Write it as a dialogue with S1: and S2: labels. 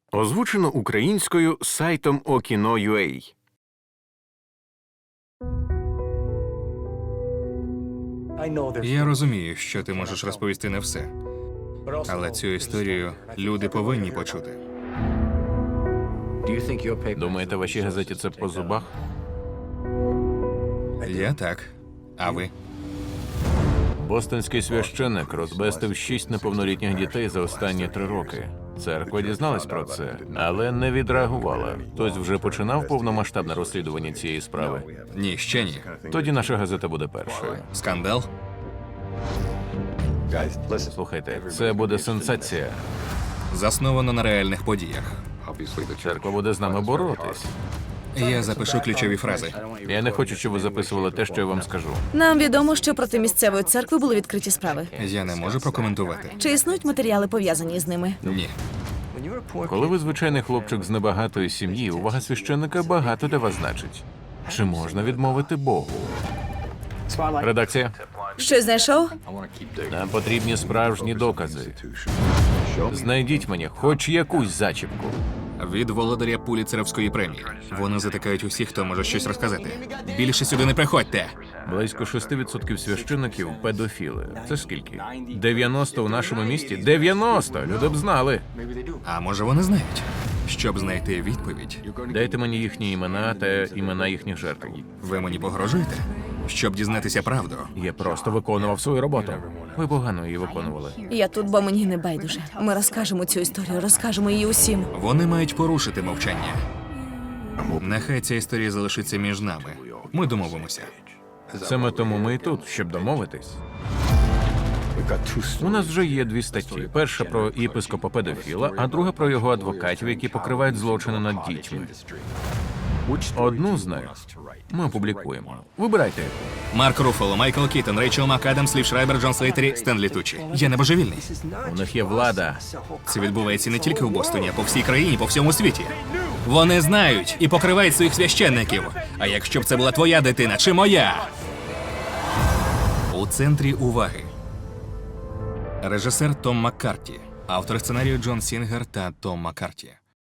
S1: Озвучено українською сайтом Okino.ua.
S2: Я розумію, що ти можеш розповісти не все. Але цю історію люди повинні почути.
S1: Думаєте, вашій газеті це по зубах?
S2: Я так. А ви?
S1: Бостонський священник розбестив 6 неповнолітніх дітей за останні 3 роки. Церква дізналась про це, але не відреагувала. Хтось вже починав повномасштабне розслідування цієї справи.
S2: Ні, ще ні.
S1: Тоді наша газета буде першою.
S2: Скандал?
S1: Слухайте, це буде сенсація.
S2: Засновано на реальних подіях.
S1: Церква буде з нами боротись.
S2: Я запишу ключові фрази.
S1: Я не хочу, щоб ви записували те, що я вам скажу.
S3: Нам відомо, що проти місцевої церкви були відкриті справи.
S2: Я не можу прокоментувати.
S3: Чи існують матеріали, пов'язані з ними?
S2: Ні.
S1: Коли ви звичайний хлопчик з небагатої сім'ї, увага священника багато для вас значить. Чи можна відмовити Богу? Редакція.
S3: Щось знайшов?
S1: Нам потрібні справжні докази. Знайдіть мені хоч якусь зачіпку.
S2: Від володаря Пуліцерівської премії. Вони затикають усіх, хто може щось розказати. Більше сюди не приходьте.
S1: Близько 6% священиків – педофіли. Це скільки? 90 у нашому місті? 90! Люди б знали.
S2: А може вони знають? Щоб знайти відповідь,
S1: Дайте мені їхні імена та імена їхніх жертв.
S2: ви мені погрожуєте? Щоб дізнатися правду.
S1: Я просто виконував свою роботу. Ви погано її виконували.
S3: Я тут, бо мені не байдуже. Ми розкажемо цю історію, розкажемо її усім.
S2: Вони мають порушити мовчання. Нехай ця історія залишиться між нами. Ми домовимося.
S1: Саме тому ми і тут, щоб домовитись. У нас вже є 2 статті. Перша про єпископа-педофіла, а друга про його адвокатів, які покривають злочини над дітьми. Одну з них ми опублікуємо. Вибирайте.
S2: Марк Руффало, Майкл Кіттон, Рейчел МакАдамс, Лів Шрайбер, Джон Слейтері, Стенлі Тучі. Я не божевільний.
S1: У них є влада.
S2: Це відбувається не тільки в Бостоні, а по всій країні, по всьому світі. Вони знають і покривають своїх священників. А якщо б це була твоя дитина чи моя? У центрі уваги. Режисер Том Маккарті. Автор сценарію Джон Сінгер та Том Маккарті.